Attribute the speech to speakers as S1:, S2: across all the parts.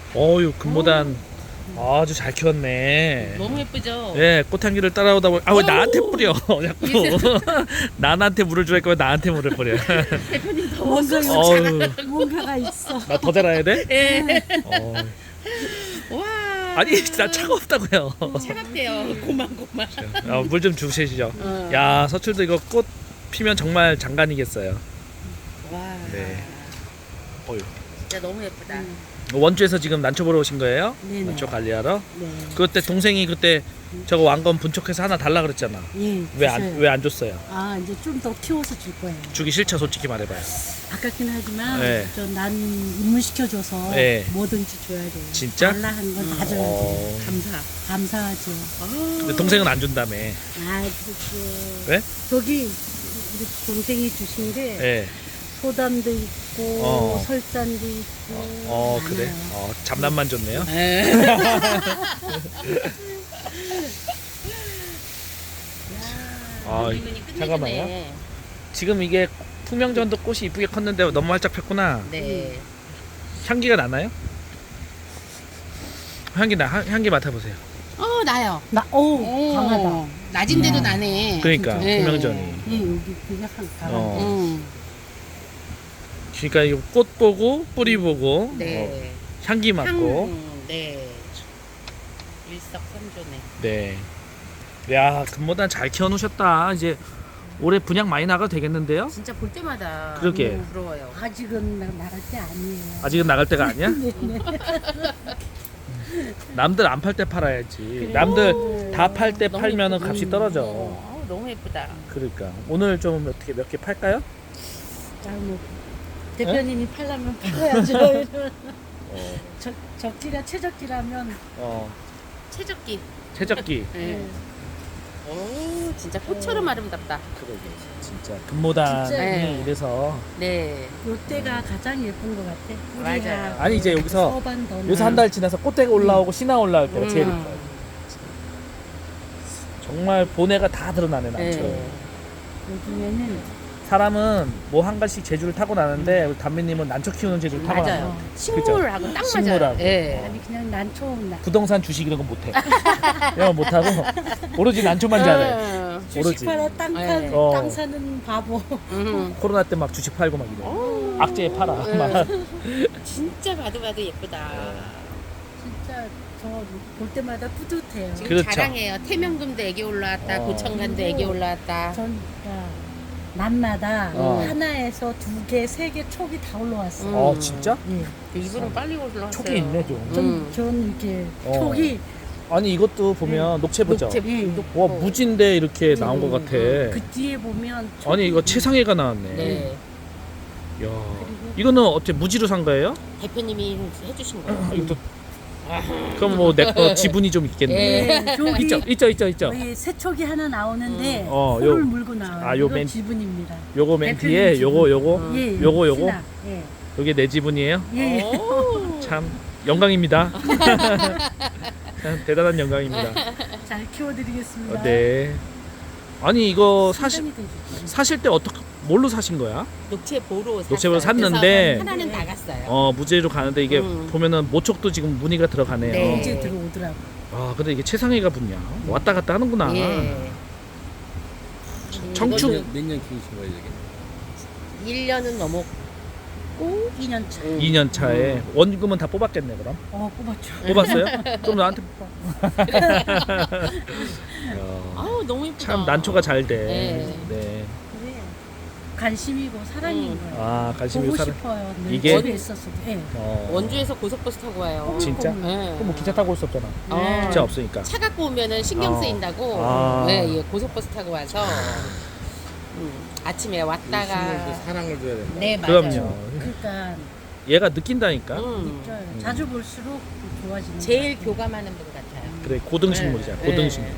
S1: 어유 금모단 아주 잘 키웠네.
S2: 너무 예쁘죠?
S1: 예, 꽃향기를 따라오다 보니 왜 나한테 뿌려? 자꾸 나한테 물을 주니까 왜 나한테 물을 뿌려?
S2: 대표님 더
S3: 뭔가
S2: 쏙쏙
S1: 어우,
S3: 뭔가가 있어.
S1: 나 더 자라야 돼?
S2: 예.
S1: 어.
S2: 와.
S1: 아니, 나 차가웠다고요.
S2: 차갑대요. 고만.
S1: 물 좀 주시죠.
S2: 어.
S1: 야, 서출도 이거 꽃 피면 정말 장관이겠어요.
S2: 와.
S1: 네. 어휴.
S2: 진짜 너무 예쁘다.
S1: 원주에서 지금 난초 보러 오신 거예요?
S3: 네네.
S1: 난초 관리하러?
S3: 네.
S1: 그때 동생이 그때 저거 왕건 분촉해서 하나 달라 그랬잖아.
S3: 예.
S1: 왜 안
S3: 주셔요.
S1: 왜 안 줬어요?
S3: 아 이제 좀 더 키워서 줄 거예요.
S1: 주기 싫죠, 솔직히 말해봐요.
S3: 아깝긴 하지만
S1: 네.
S3: 난 입문시켜줘서
S1: 네.
S3: 뭐든지 줘야 돼요.
S1: 진짜?
S3: 달라 하는 건 다 줘야 돼요.
S1: 어.
S2: 감사.
S3: 감사하죠.
S1: 근데 동생은 안 준다며.
S3: 아 그렇죠.
S1: 왜?
S3: 저기 우리 동생이 주신 게
S1: 예.
S3: 소담도 있고
S1: 어.
S3: 설잔도 있고
S1: 그래.
S3: 많아요.
S1: 잡담만 줬네요.
S2: 예.
S1: 아,
S2: 이분이 끝내주네.
S1: 잠깐만요. 지금 이게 풍명전도 꽃이 이쁘게 컸는데 너무 활짝 폈구나.
S2: 네.
S1: 향기가 나나요? 향기 맡아보세요.
S2: 나요.
S3: 오 강하다.
S2: 낮인데도 나네.
S1: 그러니까
S2: 네.
S1: 풍명전이.
S3: 예, 여기 그냥 한 강하다.
S1: 어. 그러니까 이거 꽃 보고 뿌리 보고
S2: 네.
S1: 향기 맡고.
S2: 네. 일석삼조네.
S1: 네. 야, 금모단 잘 키워놓으셨다. 이제 올해 분양 많이 나가도 되겠는데요?
S2: 진짜 볼 때마다
S1: 그러게.
S2: 너무 부러워요.
S3: 아직은 나갈 때 아니에요.
S1: 아직은 나갈 때가 아니야?
S3: 네, 네.
S1: 남들 안 팔 때 팔아야지. 남들 다 팔 때
S2: 너무
S1: 팔면은
S2: 예쁘다.
S1: 값이 떨어져.
S2: 너무 예쁘다.
S1: 그러니까 오늘 좀 어떻게 몇 개 팔까요?
S3: 자, 뭐 대표님이 팔려면 팔아야죠.
S1: 어,
S3: 적기가 최적기라면
S2: 최적기.
S1: 최적기.
S2: 네. 오, 진짜 꽃처럼 아름답다.
S1: 그러게 진짜 금모단이
S3: 진짜.
S2: 네.
S1: 이래서
S2: 네.
S3: 요때가 가장 예쁜 것 같아.
S2: 맞아요.
S3: 뿌리하고
S1: 아니, 이제 여기서
S3: 서반 더
S1: 요새 한 달 지나서 꽃대가 올라오고 신화 올라올 때가 제일
S2: 음.
S1: 예뻐요. 정말 본애가 다 드러나네 난처.
S2: 네.
S3: 요즘에는
S1: 사람은 뭐 한 가지 재주를 타고 나는데 우리 담비님은 난초 키우는 재주를 타고
S2: 맞아요.
S1: 나요.
S2: 식물하고 딱 맞아요.
S1: 식물하고.
S2: 예.
S3: 아니 그냥 난초
S1: 부동산 주식 이런 건 못해. 이런 건 못하고 오로지 난초만 잘해. 오로지.
S3: 주식 팔아
S2: 네.
S3: 땅 사는 바보.
S1: 코로나 때 막 주식 팔고 막 이래.
S2: 오.
S1: 악재에 팔아.
S2: 네.
S1: 막.
S2: 진짜 봐도 예쁘다.
S3: 진짜 저 볼 때마다 뿌듯해요.
S2: 지금
S1: 그렇죠.
S2: 자랑해요. 태명금도 애기 올라왔다. 고청간도 애기 올라왔다.
S3: 전 날마다
S1: 어.
S3: 하나에서 2개, 3개 촉이 다 올라왔어요.
S1: 진짜?
S3: 예.
S2: 이분은 빨리 올라왔어요.
S1: 촉이 있네 좀.
S3: 전 이렇게
S1: 어.
S3: 촉이
S1: 아니 이것도 보면 녹채보죠.
S2: 녹채
S3: 예.
S1: 와 무진데 이렇게 나온 것 같아.
S3: 그 뒤에 보면 촉이
S1: 아니 이거 최상해가 나왔네.
S2: 네.
S1: 야, 이거는 어째 무지로 산 거예요?
S2: 대표님이 해주신 거예요.
S1: 이것도 그럼 뭐 내 거 지분이 좀 있겠네.
S2: 예.
S3: 여기
S1: 있죠.
S3: 여기 새촉이 하나 나오는데
S1: 요-
S3: 코를 물고 나와요.
S1: 아, 요
S3: 이거
S1: 맨-
S3: 지분입니다.
S1: 요거 맨
S3: 대표님
S1: 뒤에
S3: 지분.
S1: 요거
S3: 예,
S1: 요거.
S3: 신학. 예.
S1: 요게 내 지분이에요?
S3: 예.
S2: 오.
S1: 참 영광입니다. 참 대단한 영광입니다.
S3: 잘 키워드리겠습니다.
S1: 네. 아니 이거
S3: 상당히 되죠.
S1: 사실 때 어떻게 뭘로 사신 거야?
S2: 녹채보로
S1: 녹채보로
S2: 샀어요.
S1: 샀는데
S2: 그래서 하나는 나갔어요.
S1: 무제로 가는데 이게
S2: 음.
S1: 보면은 모촉도 지금 무늬가 들어가네요.
S2: 네.
S3: 이제 들어오더라고.
S1: 아 근데 이게 최상해가 붙냐? 왔다 갔다 하는구나.
S2: 예.
S1: 청춘.
S4: 몇년 키우신 거예요, 이게?
S2: 1년은 넘었고
S3: 2년 차.
S1: 2년 차에 원금은 다 뽑았겠네 그럼?
S3: 뽑았죠.
S1: 뽑았어요? 그럼 나한테 뽑아.
S2: 아우 너무 예쁘다.
S1: 참 난초가 잘 돼.
S2: 네.
S1: 네.
S3: 그래. 관심이고 사랑인 거예요.
S1: 아 관심이
S3: 보고
S1: 사람.
S3: 싶어요. 늘
S1: 이게?
S3: 집에 있었어도. 예.
S2: 원주에서 고속버스 타고 와요.
S1: 진짜?
S2: 네.
S1: 그럼 뭐 기차 타고 올 수 없잖아.
S2: 네.
S1: 기차 없으니까.
S2: 차 갖고 오면은 신경 쓰인다고
S1: 아.
S2: 네, 예, 고속버스 타고 와서 아침에
S4: 식물도
S2: 왔다가
S4: 사랑을 줘야 된다.
S2: 네 맞아요.
S1: 그럼요.
S3: 그러니까
S1: 얘가 느낀다니까.
S3: 진짜 자주 볼수록 좋아지는.
S2: 제일
S3: 것 같아요.
S2: 교감하는 분 같아요.
S1: 그래 고등식물이잖아.
S2: 네.
S1: 고등식물.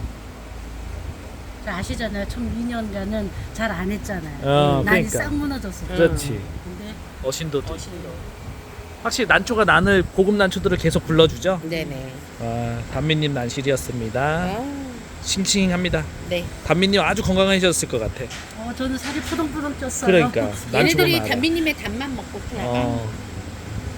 S3: 잘 아시잖아요. 처음 2년간은 잘 안 했잖아요.
S1: 그러니까.
S3: 난이 싹 무너졌어요.
S1: 그렇지.
S3: 근데
S1: 어신도 또.
S2: 어신도.
S1: 확실히 난초가 난을 고급 난초들을 계속 불러주죠.
S2: 네네.
S1: 단미님 난실이었습니다.
S2: 아,
S1: 싱싱합니다.
S2: 네.
S1: 단미님 아주 건강해졌을 것 같아.
S3: 저는 살이 푸동푸동 쪘어요.
S1: 그러니까 난초가
S2: 얘네들이
S1: 많아.
S2: 담비님의 담만 먹고 그냥
S1: 어,